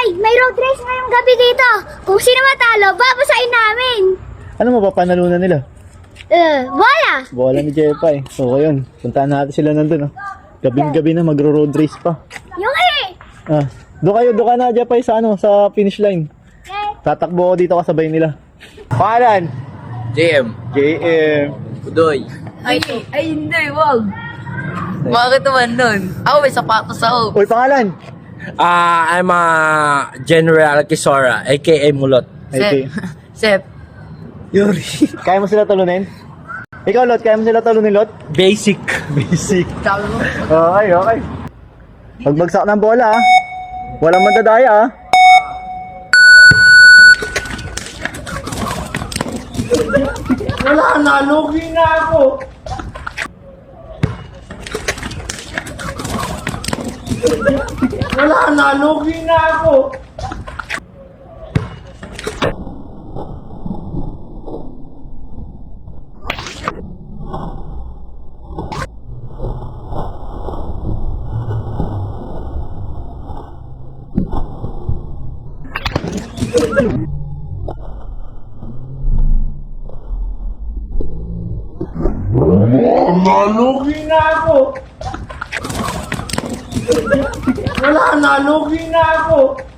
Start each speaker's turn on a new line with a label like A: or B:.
A: may road race ngayong gabi dito. Kung sino matalo, babasahin namin.
B: Ano mapapanalunan nila?
A: Bola.
B: Bola ni Jepay. So, ayun. Puntaan natin sila nandun, oh. Gabing-gabi na, magro-road race pa.
A: Yung
B: Doon ka na, Jepay, sa finish line. Tatakbo ako dito kasabay nila. Pangalan?
C: JM.
B: JM.
C: Udoy.
D: Ay, hindi, wag. Bakit naman nun? Ako, may sapatos ako.
B: Uy, pangalan?
C: I'm General Kisora, aka Mulot.
B: Okay.
D: Sep.
B: Yuri. Kaya mo sila talunin? Ikaw, Lot, kaya mo sila talunin, Lot?
C: Basic.
B: Basic.
D: Sabi mo?
B: Okay. Pagbagsak ng bola, ah. Walang madadaya, ah. Wala na, lugi na ako. Wala na, lugi na ako. Nalugi na ako. Wala, nalugi na ako.